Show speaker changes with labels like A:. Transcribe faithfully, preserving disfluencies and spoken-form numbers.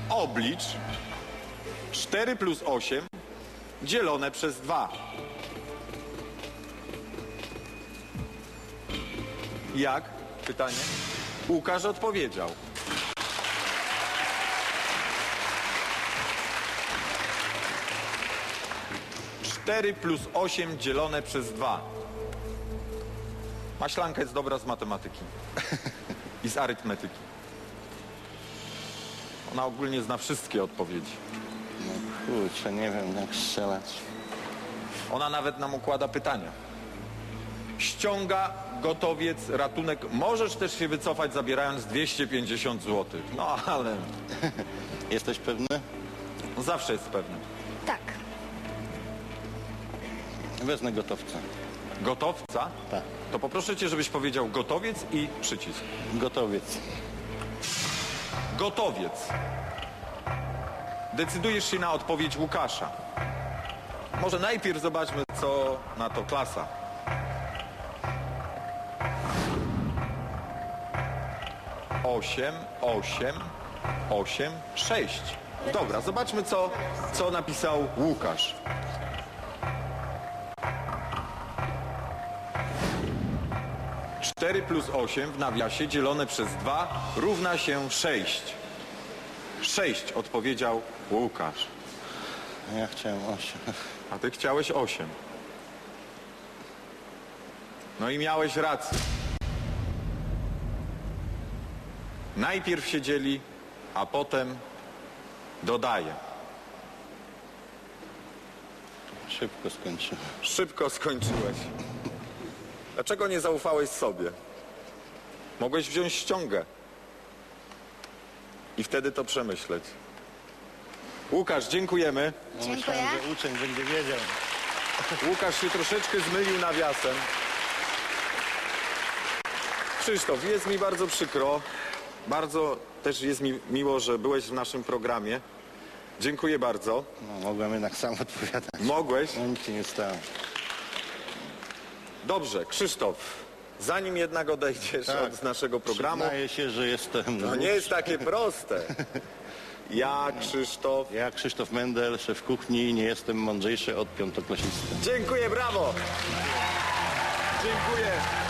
A: Oblicz cztery plus osiem dzielone przez dwa. Jak? Pytanie. Łukasz odpowiedział. cztery plus osiem dzielone przez dwa. Maślanka jest dobra z matematyki i z arytmetyki. Ona ogólnie zna wszystkie odpowiedzi.
B: No kurczę, nie wiem jak strzelać.
A: Ona nawet nam układa pytania. Ściąga, gotowiec, ratunek. Możesz też się wycofać, zabierając dwieście pięćdziesiąt złotych. No ale
B: Jesteś pewny?
A: zawsze jest pewny.
C: Tak.
B: Wezmę gotowca.
A: Gotowca?
B: Tak.
A: To poproszę cię, żebyś powiedział gotowiec i przycisk.
B: Gotowiec.
A: Gotowiec. Decydujesz się na odpowiedź Łukasza. Może najpierw zobaczmy, co na to klasa. Osiem, osiem, osiem, sześć. Dobra, zobaczmy, co, co napisał Łukasz. cztery plus osiem w nawiasie dzielone przez dwa równa się sześć. sześć odpowiedział Łukasz.
B: Ja chciałem osiem.
A: A ty chciałeś osiem. No i miałeś rację. Najpierw się dzieli, a potem dodaje.
B: Szybko skończyłem.
A: Szybko skończyłeś. Dlaczego nie zaufałeś sobie? Mogłeś wziąć ściągę i wtedy to przemyśleć. Łukasz, dziękujemy.
B: No,
C: Dziękuję.
B: myślałem, że uczeń będzie wiedział.
A: Łukasz się troszeczkę zmylił nawiasem. Krzysztof, jest mi bardzo przykro. Bardzo też jest mi miło, że byłeś w naszym programie. Dziękuję bardzo.
B: No, mogłem jednak sam odpowiadać.
A: Mogłeś?
B: No nic się nie stało.
A: Dobrze, Krzysztof, zanim jednak odejdziesz
B: Tak.
A: od naszego programu,
B: Przyznaję się, że jestem...
A: to nie jest takie proste. Ja, Krzysztof.
B: Ja, Krzysztof Mendel, szef kuchni, nie jestem mądrzejszy od piątoklasisty.
A: Dziękuję, brawo! Dziękuję.